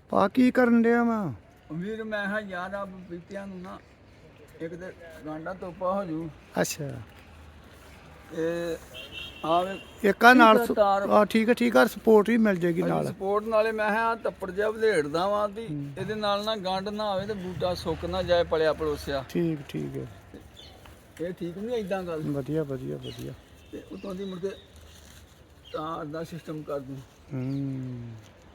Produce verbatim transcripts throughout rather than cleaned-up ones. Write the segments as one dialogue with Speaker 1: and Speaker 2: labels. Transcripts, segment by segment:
Speaker 1: ਪਾ ਕੀ ਕਰਨ ਡਿਆ ਵਾ?
Speaker 2: ਵੀਰ ਮੈਂ ਹਾਂ ਯਾਰ ਆ ਬੀਤਿਆਂ ਨੂੰ ਨਾ ਇੱਕ ਤੇ ਗਾਂਡਾ ਤੋਪਾ ਹੋ ਜੂ
Speaker 1: ਅੱਛਾ
Speaker 2: ਤੇ ਆਵੇ
Speaker 1: ਇੱਕ ਆ ਨਾਲ
Speaker 2: ਠੀਕ ਆ ਤਾਰ
Speaker 1: ਆ ਠੀਕ ਆ ਠੀਕ ਆ ਸਪੋਰਟ ਵੀ ਮਿਲ ਜੇਗੀ ਨਾਲ।
Speaker 2: ਸਪੋਰਟ ਨਾਲੇ ਮੈਂ ਕਿਹਾ ਆਹ ਤੱਪੜ ਜਿਹਾ ਵਧੇੜਦਾ ਵਾਂ ਵੀ ਇਹਦੇ ਨਾਲ ਨਾ ਗੰਢ ਨਾ ਆਵੇ ਤੇ ਬੂਟਾ ਸੁੱਕ ਨਾ ਜਾਏ ਪਲਿਆ ਪਲੋਸਿਆ।
Speaker 1: ਠੀਕ ਠੀਕ ਹੈ,
Speaker 2: ਇਹ ਠੀਕ ਨਹੀਂ ਏਦਾਂ ਗੱਲ।
Speaker 1: ਵਧੀਆ ਵਧੀਆ ਵਧੀਆ।
Speaker 2: ਤੇ ਉਤੋਂ ਦੀ ਮੁੜ ਕੇ ਤਾਰ ਦਾ ਸਿਸਟਮ ਕਰ ਦੂੰ।
Speaker 1: ਹੂੰ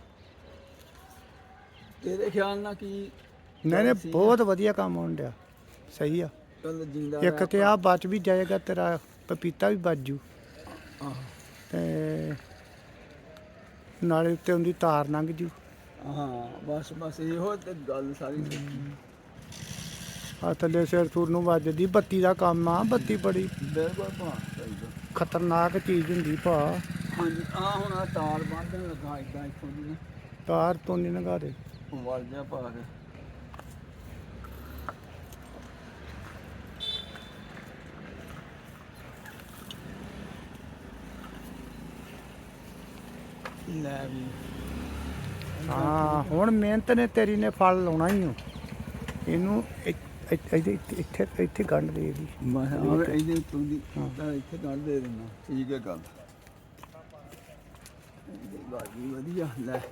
Speaker 2: ਤੇਰੇ ਖਿਆਲ ਨਾਲ ਕੀ?
Speaker 1: ਨਹੀਂ ਨਹੀਂ ਬਹੁਤ ਵਧੀਆ ਕੰਮ ਹੋਣ ਡਿਆ, ਸਹੀ ਆ।
Speaker 2: ਚੱਲ ਜਿੰਦਾ
Speaker 1: ਇੱਕ ਤੇ ਆ ਬਚ ਵੀ ਜਾਏਗਾ, ਤੇਰਾ ਪਪੀਤਾ ਵੀ ਬਚ ਜੂ
Speaker 2: ਆਹ
Speaker 1: ਤੇ ਨਾਲੇ ਉੱਤੇ ਉਹਦੀ ਤਾਰ ਲੰਘ ਜੂ।
Speaker 2: ਹਾਂ ਬਸ ਬਸ ਇਹੋ ਤੇ ਗੱਲ ਸਾਰੀ।
Speaker 1: ਆ ਥੱਲੇ ਸਿਰ ਸੁਰ ਨੂੰ ਵੱਜਦੀ ਬੱਤੀ ਦਾ ਕੰਮ ਆ। ਬੱਤੀ ਬੜੀ
Speaker 2: ਬਿਲਕੁਲ ਭਾ ਚਾਹੀਦਾ,
Speaker 1: ਖਤਰਨਾਕ ਚੀਜ਼ ਹੁੰਦੀ ਭਾ।
Speaker 2: ਹਾਂਜੀ ਆ ਹੁਣ ਆ ਤਾਰ ਬੰਨ੍ਹਣ ਲੱਗਾ ਏਦਾਂ ਇੱਥੋਂ ਦੀ ਨਾ
Speaker 1: ਤਾਰ ਤੋਂ ਨਹੀਂ ਲੰਘਾ ਦੇ।
Speaker 2: ਵਲ ਜਿਹਾ ਪਾ ਕੇ ਲੈ ਵੀ।
Speaker 1: ਹਾਂ ਹੁਣ ਮਿਹਨਤ ਨੇ ਤੇਰੀ ਨੇ ਫਲ ਲਾਉਣਾ ਹੀ ਹੋ। ਇਹਨੂੰ ਇੱਥੇ ਇੱਥੇ ਇੱਥੇ ਗੰਢ ਦੇ ਦੀ।
Speaker 2: ਮੈਂ ਆਵੇ ਇਹਦੇ ਉੱਤੋਂ ਦੀ ਤਾਂ ਇੱਥੇ ਕੱਢ ਦੇ ਦਿੰਦਾ। ਠੀਕ ਹੈ ਗੱਲ। ਇਹ ਗੱਲ ਵੀ ਵਧੀਆ। ਲੈ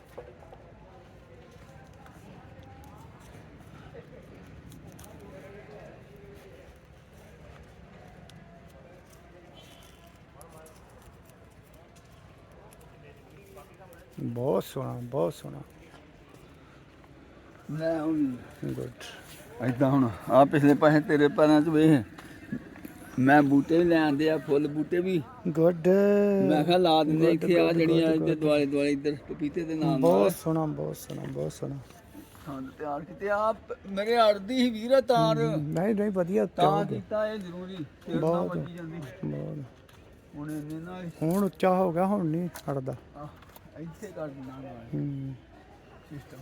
Speaker 1: ਬਹੁਤ ਸੋਹਣਾ ਬਹੁਤ ਸੋਹਣਾ।
Speaker 2: ਲੈ ਹੁਣ
Speaker 1: ਗੁੱਡ।
Speaker 2: ਏਦਾਂ ਹੁਣ ਆ ਪਿਛਲੇ ਪਾਸੇ ਤੇਰੇ ਪੈਰਾਂ 'ਚ ਵੇਖ ਮੈਂ ਬੂਟੇ ਵੀ ਲੈ ਆਂਦੇ ਆ, ਫੁੱਲ ਬੂਟੇ ਵੀ।
Speaker 1: ਗੁੱਡ।
Speaker 2: ਮੈਂ ਕਿਹਾ ਲਾ ਦਿੰਦੇ ਇੱਥੇ ਆ ਜਿਹੜੀਆਂ ਇੱਧਰ ਦੁਆਲੇ ਦੁਆਲੇ ਇੱਧਰ ਪਪੀਤੇ ਦੇ ਨਾਮ।
Speaker 1: ਬਹੁਤ ਸੋਹਣਾ ਬਹੁਤ ਸੋਹਣਾ ਬਹੁਤ ਸੋਹਣਾ।
Speaker 2: ਹਾਂ ਤਿਆਰ ਕੀਤੇ ਆ ਮੇਰੇ ਅੜਦੀ ਸੀ ਵੀਰ ਤਾਰ।
Speaker 1: ਨਹੀਂ ਨਹੀਂ ਵਧੀਆ
Speaker 2: ਤਾਂ ਕੀਤਾ ਇਹ ਜ਼ਰੂਰੀ।
Speaker 1: ਬਹੁਤ
Speaker 2: ਵੱਜੀ ਜਾਂਦੀ
Speaker 1: ਬਹੁਤ।
Speaker 2: ਹੁਣ ਇਹਨੇ ਨਾਲ
Speaker 1: ਹੁਣ ਉੱਚਾ ਹੋ ਗਿਆ, ਹੁਣ ਨਹੀਂ ਹਟਦਾ।
Speaker 2: ਇੱਥੇ ਕਰ ਦਿੰਦਾ
Speaker 1: ਹੂੰ
Speaker 2: ਸਿਸਟਮ।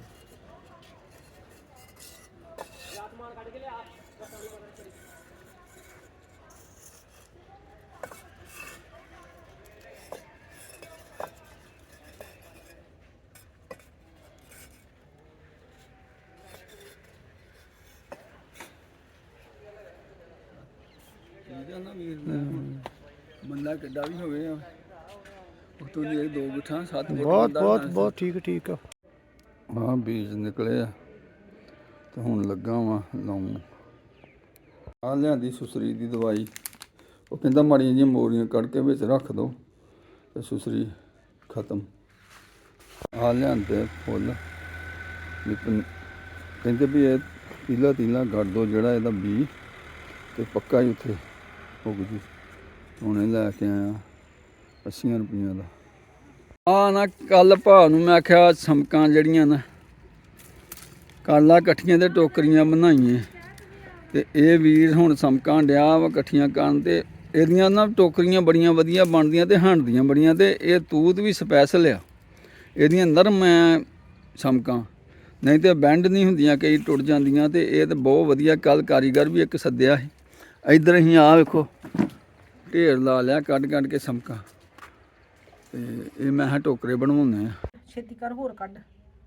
Speaker 2: ਠੀਕ ਆ ਨਾ ਵੀਰ। ਬੰਦਾ ਕਿੱਡਾ ਵੀ ਹੋਵੇ ਉਤੋਂ ਦੀ ਦੋ ਗੁੱਠਾਂ ਸੱਤ ਫੁੱਟ
Speaker 1: ਬਹੁਤ ਬਹੁਤ ਬਹੁਤ ਠੀਕ ਠੀਕ ਆ।
Speaker 2: ਹਾਂ ਬੀਜ ਨਿਕਲੇ ਆ ਤੇ ਹੁਣ ਲੱਗਾ ਵਾਂ ਲਾਉਣ। ਆ ਲਿਆਂਦੀ ਸੁਸਰੀ ਦੀ ਦਵਾਈ। ਉਹ ਕਹਿੰਦਾ ਮਾੜੀਆਂ ਜਿਹੀਆਂ ਮੋਰੀਆਂ ਕੱਢ ਕੇ ਵਿੱਚ ਰੱਖ ਦੋ ਤੇ ਸੁਸਰੀ ਖਤਮ। ਆ ਲਿਆਂਦੇ ਫੁੱਲ ਕਹਿੰਦੇ ਵੀ ਇਹ ਤੀਲਾ ਤੀਲਾ ਕੱਢ ਦੋ ਜਿਹੜਾ ਇਹਦਾ ਬੀਜ ਤੇ ਪੱਕਾ ਹੀ ਉੱਥੇ ਉੱਗ ਜੂ। ਹੁਣ ਇਹ ਲੈ ਕੇ ਆਇਆ ਅੱਸੀਆਂ ਰੁਪਈਆਂ ਦਾ। ਆ ਨਾ ਕੱਲ ਭਾ ਨੂੰ ਮੈਂ ਆਖਿਆ ਸਮਕਾਂ ਜਿਹੜੀਆਂ ਨਾ ਕਾਲਾ ਇਕੱਠੀਆਂ ਤੇ ਟੋਕਰੀਆਂ ਬਣਾਈਏ ਤੇ ਇਹ ਵੀਰ ਹੁਣ ਸਮਕਾਂ ਡਿਆ ਵਾ ਇਕੱਠੀਆਂ ਕਰਨ ਤੇ ਇਹਦੀਆਂ ਨਾ ਟੋਕਰੀਆਂ ਬੜੀਆਂ ਵਧੀਆ ਬਣਦੀਆਂ ਤੇ ਹੰਡਦੀਆਂ ਬੜੀਆਂ। ਤੇ ਇਹ ਤੂਤ ਵੀ ਸਪੈਸ਼ਲ ਆ ਇਹਦੀਆਂ ਨਰਮ ਐ ਸਮਕਾਂ, ਨਹੀਂ ਤੇ ਬੈਂਡ ਨਹੀਂ ਹੁੰਦੀਆਂ, ਕਈ ਟੁੱਟ ਜਾਂਦੀਆਂ। ਤੇ ਇਹ ਤਾਂ ਬਹੁਤ ਵਧੀਆ। ਕੱਲ ਕਾਰੀਗਰ ਵੀ ਇੱਕ ਸੱਦਿਆ ਸੀ। ਇੱਧਰ ਅਸੀਂ ਆ ਵੇਖੋ ਢੇਰ ਲਾ ਲਿਆ ਕੱਢ ਕੱਢ ਕੇ ਸਮਕਾਂ। ਤੇ ਇਹ ਮੈਂ ਕਿਹਾ ਟੋਕਰੇ ਬਣਵਾਉਂਦੇ ਆ।
Speaker 3: ਛੇਤੀ ਕਰ ਹੋਰ ਕੱਢ।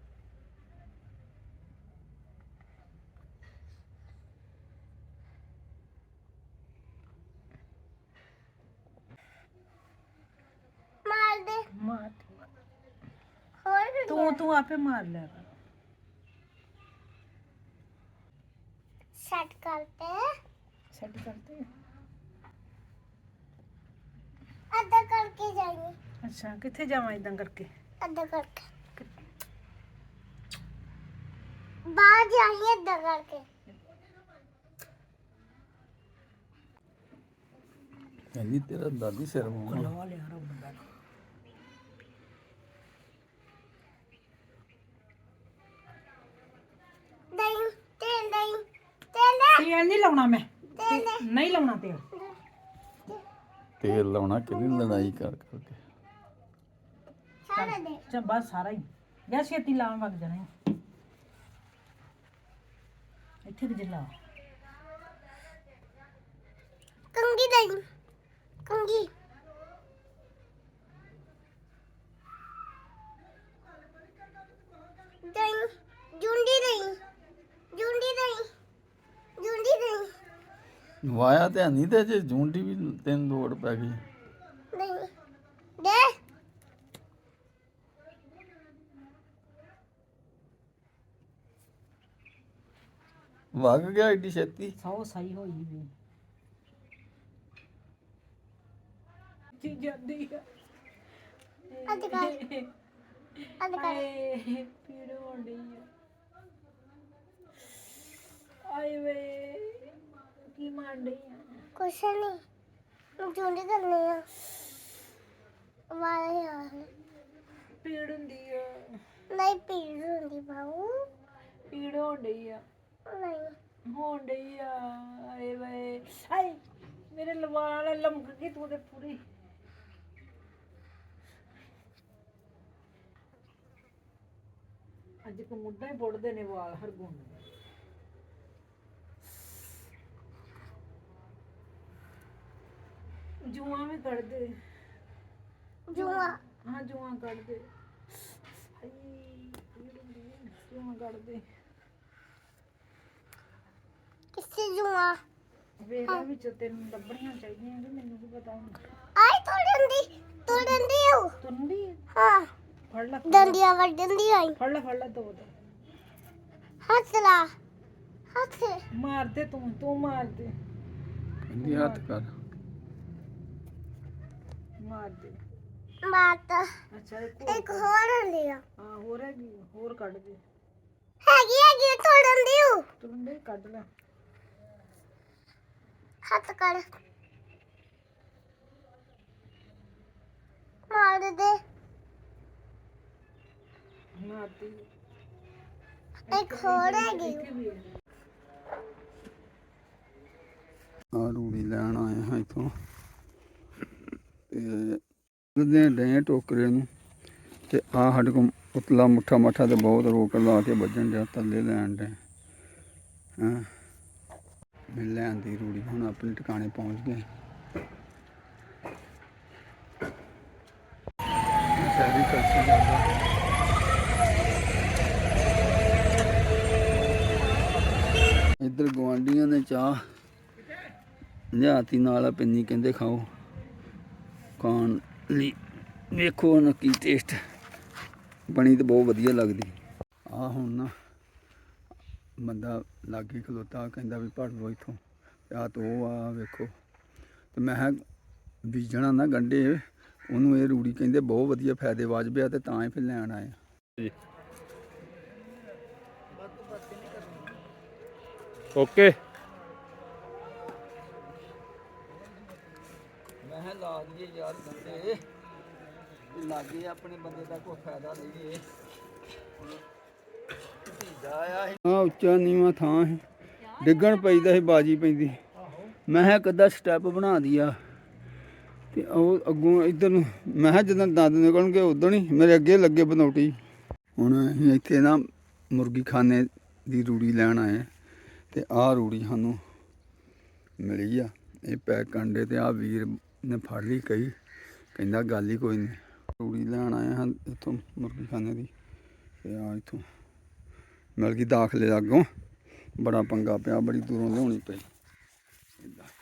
Speaker 3: ਮਾਰ ਦੇ ਮਾਰ ਹੋਰ ਤੂੰ ਤੂੰ ਆਪੇ ਮਾਰ ਲੈ। ਸੈੱਟ ਕਰਤੇ ਸੈੱਟ ਕਰਤੇ ਅੱਧਾ ਕਰਕੇ ਜਾਈਏ। ਅੱਛਾ ਕਿੱਥੇ ਜਾਵਾਂ ਇਦਾਂ ਕਰਕੇ? ਅੱਧਾ ਕਰਕੇ ਬਾਹਰ ਜਾਈਏ ਅੱਧਾ ਕਰਕੇ।
Speaker 2: ਕਹਿੰਦੀ ਤੇਰਾ ਦਾਦੀ ਸਿਰ ਮੂੰਹ
Speaker 3: ਲਵਾ ਲਿਆ ਰੱਬ ਦਾ।
Speaker 4: ਦਹੀਂ ਤੇਲ ਦਹੀਂ ਤੇਲ
Speaker 3: ਤੇਲ ਨਹੀਂ ਲਾਉਣਾ ਮੈਂ। ਨਹੀਂ ਲਾਉਣਾ ਤੇਲ।
Speaker 2: ਤੇਲ ਲਾਉਣਾ ਕਿਹਦੀ ਲੜਾਈ ਕਰ ਕਰਕੇ।
Speaker 4: ਸਾਰਾ ਦੇ
Speaker 3: ਚੱਲ ਬਸ ਸਾਰਾ ਹੀ ਜਾਂ ਛੇਤੀ ਲਾਉਣ ਵਗ ਜਾਣਾ ਈ। ਇੱਥੇ ਕਿ ਜਿਲਾ
Speaker 4: ਕੰਗੀ ਦਹੀਂ ਕੰਗੀ ਦਹੀਂ
Speaker 2: ਵਾਇਆ ਤੇ ਨਹੀਂ ਤੇ ਜੇ ਜੂੰਡੀ ਵੀ ਤੈਨੂੰ ਲੋੜ ਪੈ ਗਈ
Speaker 4: ਨਹੀਂ ਦੇ
Speaker 2: ਵਗ ਗਿਆ ਏਡੀ ਛੇਤੀ
Speaker 3: ਸੌ ਸਹੀ ਹੋਈ ਵੀ ਜੀ ਜਾਂਦੀ ਆ
Speaker 4: ਅੱਜ ਕੱਲ ਅੱਜ ਕੱਲ
Speaker 3: ਆਏ ਪੀੜ ਹੋਣੀ ਆ ਆਏ ਵੇ ਕੀ ਮਾਰਦੀ ਆ
Speaker 4: ਕੁਛ ਨਹੀਂ ਜੁੰਡੀ ਕਰਨੀ ਆ ਵਾਹ ਯਾਰ
Speaker 3: ਪੀੜ ਹੁੰਦੀ ਆ
Speaker 4: ਨਹੀਂ ਪੀੜ ਹੁੰਦੀ ਬਾਊ
Speaker 3: ਪੀੜ ਹੋਣੀ ਆ
Speaker 4: ਨਹੀਂ
Speaker 3: ਹੋਣ ਡਈ ਆ ਆਏ ਵੇ ਆਏ ਮੇਰੇ ਲਵਾਲ ਲਮਕ ਗਈ ਤੂੰ ਤੇ ਪੂਰੀ ਅੱਜ ਕੋ ਮੁੱਢਾ ਹੀ ਪੁੱਟਦੇ ਨੇ ਵਾਲ ਹਰਗੁਣ ਜੂਆਂ ਵੀ ਕੱਢਦੇ
Speaker 4: ਜੂਆ
Speaker 3: ਹਾਂ ਜੂਆਂ ਕੱਢਦੇ ਹਾਈ ਪੀੜ ਹੁੰਦੀ ਆ, ਜੂਆਂ ਕੱਢਦੇ
Speaker 4: ਕਿਸੇ ਜੂਆ
Speaker 3: ਵੇਲਾ ਵਿੱਚ ਤੈਨੂੰ ਲੱਭਣੀਆਂ ਚਾਹੀਦੀਆਂ ਕਿ ਮੈਨੂੰ ਕੀ ਪਤਾ ਹੁਣ
Speaker 4: ਆਈ ਤੋੜਨ ਦੀ ਤੋੜਨ ਦੀ ਹੋ
Speaker 3: ਤੁੰਦੀ
Speaker 4: ਹਾਂ
Speaker 3: ਫੜ ਲੈ
Speaker 4: ਡੰਡੀਆਂ ਵੱਢਣ ਦੀ ਆਈ
Speaker 3: ਫੜ ਲੈ ਫੜ ਲੈ ਦੋ ਦੋ
Speaker 4: ਹੱਥ ਲਾ ਹੱਥ
Speaker 3: ਮਾਰ ਦੇ ਤੂੰ ਤੂੰ ਮਾਰ ਦੇ
Speaker 2: ਕਹਿੰਦੀ ਹੱਥ ਕਰ
Speaker 3: ਮਾਰ ਦੇ
Speaker 4: ਮਾਤ
Speaker 3: ਅੱਛਾ ਇੱਕ ਹੋਰ
Speaker 4: ਇੱਕ ਹੋਰ ਹੁੰਦੀ ਆ
Speaker 3: ਹਾਂ ਹੋਰ ਹੈਗੀ ਹੋਰ ਕੱਢ ਦੇ
Speaker 4: ਹੈਗੀ ਹੈਗੀ ਤੋੜਨ ਦੀ ਹੋ
Speaker 3: ਤੁੰਦੇ ਕੱਢ ਲੈ
Speaker 4: ਹੱਥ ਕਰ ਮਾਰ ਦੇ ਦੇ
Speaker 3: ਮਾਰਦੀ
Speaker 4: ਇੱਕ ਹੋਰ ਹੈਗੀ
Speaker 2: ਆ ਰੂੜੀ ਲੈਣ ਆਏ ਹਾਂ ਇੱਥੋਂ ਤੇ ਦੇ ਡੇ ਟੋਕਰੇ ਨੂੰ ਤੇ ਆ ਸਾਡੇ ਕੋਲ ਉਤਲਾ ਮੁੱਠਾ ਮੱਠਾ ਤੇ ਬਹੁਤ ਰੋਕ ਲਾ ਕੇ ਵੱਜਣ ਡਿਆ ਥੱਲੇ ਲੈਣ ਡੇ ਹਾਂ ਮੈਂ ਲੈਣ ਦੀ ਰੂੜੀ ਹੁਣ ਆਪਣੇ ਟਿਕਾਣੇ ਪਹੁੰਚ ਗਏ ਸ਼ਹਿਰੀ ਕਲਸੀ ਜਾਂਦਾ ਇੱਧਰ ਗੁਆਂਢੀਆਂ ਨੇ ਚਾਹ ਲਿਆਤੀ ਨਾਲ ਪਿੰਨੀ ਕਹਿੰਦੇ ਖਾਓ ਖਾਣ ਲਈ ਵੇਖੋ ਹੁਣ ਕੀ ਟੇਸਟ ਬਣੀ ਤੇ ਬਹੁਤ ਵਧੀਆ ਲੱਗਦੀ ਆ ਹੁਣ ਨਾ ਬੰਦਾ ਲਾਗੇ ਖਲੋਤਾ ਕਹਿੰਦਾ ਵੀ ਭੜ ਲਓ ਇੱਥੋਂ ਆ ਤੋ ਆ ਵੇਖੋ ਤੇ ਮੈਂ ਕਿਹਾ ਬੀਜਣਾ ਨਾ ਗੰਢੇ ਉਹਨੂੰ ਇਹ ਰੂੜੀ ਕਹਿੰਦੇ ਬਹੁਤ ਵਧੀਆ ਫਾਇਦੇ ਵਾਜਬ ਆ ਤੇ ਤਾਂ ਹੀ ਫਿਰ ਲੈਣ ਆਏ ਜੀ
Speaker 5: ਓਕੇ
Speaker 2: ਮੈਂ ਕਿਹਾ ਲਾ ਦਈਏ ਯਾਰ ਗੰਢੇ ਵੀ ਲਾਗੇ ਆਪਣੇ ਬੰਦੇ ਦਾ ਕੋਈ ਫਾਇਦਾ ਲਈਏ ਹਾਂ ਉੱਚਾ ਨੀਵਾਂ ਥਾਂ ਹੈ ਡਿੱਗਣ ਪੈਂਦਾ ਸੀ ਬਾਜੀ ਪੈਂਦੀ ਮੈਂ ਕਿਹਾ ਇੱਕ ਅੱਧਾ ਸਟੈਪ ਬਣਾ ਦਿਆ ਤੇ ਉਹ ਅੱਗੋਂ ਇੱਧਰ ਨੂੰ ਮੈਂ ਕਿਹਾ ਜਦੋਂ ਦੰਦ ਨਿਕਲਣਗੇ ਉਦੋਂ ਹੀ ਮੇਰੇ ਅੱਗੇ ਲੱਗੇ ਬਨੌਟੀ ਹੁਣ ਅਸੀਂ ਇੱਥੇ ਨਾ ਮੁਰਗੀ ਖਾਨੇ ਦੀ ਰੂੜੀ ਲੈਣ ਆਏ ਤੇ ਆਹ ਰੂੜੀ ਸਾਨੂੰ ਮਿਲੀ ਆ ਇਹ ਪੈਕ ਕੰਡੇ ਤੇ ਆਹ ਵੀਰ ਨੇ ਫੜ ਲਈ ਕਈ ਕਹਿੰਦਾ ਗੱਲ ਹੀ ਕੋਈ ਨਹੀਂ ਰੂੜੀ ਲੈਣ ਆਏ ਹਾਂ ਇੱਥੋਂ ਮੁਰਗੀ ਖਾਨੇ ਦੀ ਤੇ ਆ ਇੱਥੋਂ ਮਿਲ ਗਈ ਦਾਖਲੇ ਅੱਗੋਂ ਬੜਾ ਪੰਗਾ ਪਿਆ ਬੜੀ ਦੂਰੋਂ ਲਿਆਉਣੀ ਪਈ ਇੱਦਾਂ